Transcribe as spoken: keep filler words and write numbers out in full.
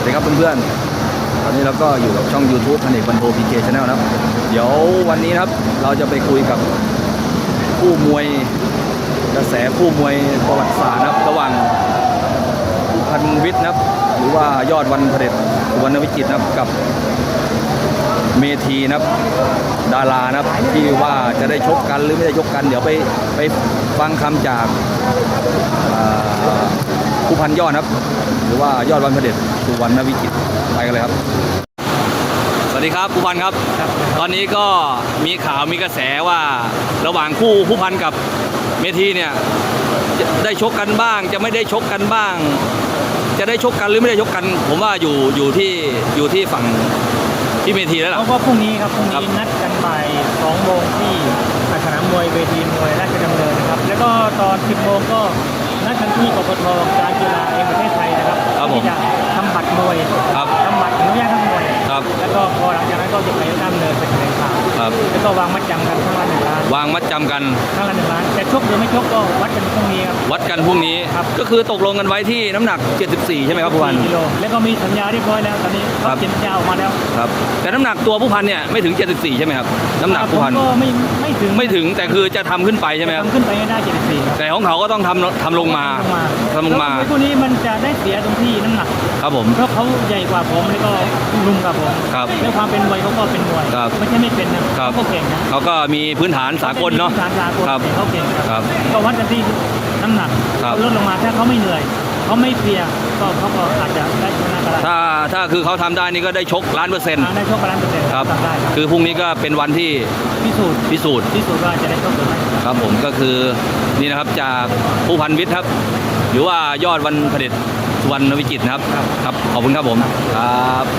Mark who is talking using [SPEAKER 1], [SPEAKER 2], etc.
[SPEAKER 1] สวัสดีครับเพื่อนๆตอนนี้เราก็อยู่กับช่อง ยูทูบ พันเอกบรรโท พี เค Channel นะครับเดี๋ยววันนี้นะครับเราจะไปคุยกับคู่มวยกระแสคู่มวยประวัติศาสตร์นะครับระหว่างผู้พันวิทย์นะครับหรือว่ายอดวันเผด็จสุวรรณวิจิตรนะครับกับเมธีนะครับดารานะครับที่ว่าจะได้ชกกันหรือไม่ได้ชกกันเดี๋ยวไปไปฟังคำจากผู้พันยอดนะครับหรือว่ายอดวันเผด็จสุวรรณวิจิตรไปกันเลยครับสวัสดีครับผู้พันครับตอนนี้ก็มีข่าวมีกระแสว่าระหว่างคู่ผู้พันกับเมธีเนี่ยจะได้ชกกันบ้างจะไม่ได้ชกกันบ้าง จะได้ชกกันหรือไม่ได้ชกกันผมว่าอยู่อยู่ที่อยู่ที่ฝั่งที่เมธีแล้วล่ะ
[SPEAKER 2] เพราะว่าพรุ่งนี้ครับพรุ่งนี้นัดกันบ่ายสองโมงที่สนามมวยเวทีมวยราชดำเนินนะครับแล้วก็ตอนสิบโมงก็นัดกันที่กกต.การกีฬาแห่งประเทศไทยนะครับที่จะทำบัตรมวยทำบัตรอนุญาตทำมวยแล้วก็พอหลังจากนั้นก็จะไปดำเนินไปแถลงข่าวแล้วก็วางมัดจำกันทั้งละหนึ่งล้าน
[SPEAKER 1] วางมัดจำกัน
[SPEAKER 2] ทั้งละหนึ่งล้านแต่ชกหรือไม่ชกก็วัดกันพรุ่งนี้ครับ
[SPEAKER 1] วัดกันพรุ่งนี้ก็คือตกลงกันไว้ที่น้ำหนักเจ็ดสิบสี่ใช่ไหมครับผู้พัน
[SPEAKER 2] แล้วก็มีสัญญาเรียบร้อยแล้วตอนนี้เขาเซ็นสัญญาออกมาแล้ว
[SPEAKER 1] ครับแต่น้ำหนักตัวผู้พันเนี่ยไม่ถึงเจ็ดสิบสี่ใช่ไหมครับน้ำหนักผู้พัน
[SPEAKER 2] ก็ไม่ไม่ถึง
[SPEAKER 1] ไม่ถึงแต่คือจะทำขึ้นไปใช่ไหมครับ
[SPEAKER 2] ทำขึ้นไปให้ได้เจ็ดสิบสี่
[SPEAKER 1] แต่ของเขาก็ต้องทำทำลงมาทำลงมา
[SPEAKER 2] คู่นี้มันจะได้เสียตรงที่น้ำหนัก
[SPEAKER 1] ครับผม
[SPEAKER 2] เพราะเขาใหญ่กว่าผมแล้วก็ลุงกับผมแล้วความเป็นมวยเขาก็เป็นมวยไม่ใช่ไม่เป็นนะเขาก็เก่งนะ
[SPEAKER 1] เขาก็มีพื้นฐานสากลเนาะ
[SPEAKER 2] พื้นฐานสากลเขาเก่ง
[SPEAKER 1] ครับ
[SPEAKER 2] ก็วัดกันที่น้ำหนักลดลงมาถ้าเขาไม่เหนื่อยเขาไม่เพลียก็เขาก็อาจจะได้ชนะก็ได้
[SPEAKER 1] ถ้าถ้าคือเขาทำได้นี่ก็ได้ชกล้านเปอร์เซ็นต์
[SPEAKER 2] ได้ชกล้านเปอร์เซ็นต์
[SPEAKER 1] ครับคือพรุ่งนี้ก็เป็นวันที่
[SPEAKER 2] พิสูจน์
[SPEAKER 1] พิสูจน์
[SPEAKER 2] พิสูจน์ว่าจะได้ชกหรือไม่
[SPEAKER 1] ครับผมก็คือนี่นะครับจากผู้พันวิทย์ครับหรือว่ายอดวันเผด็จสุวรรณวิจิตรนะครับครับขอบคุณครับผมครับ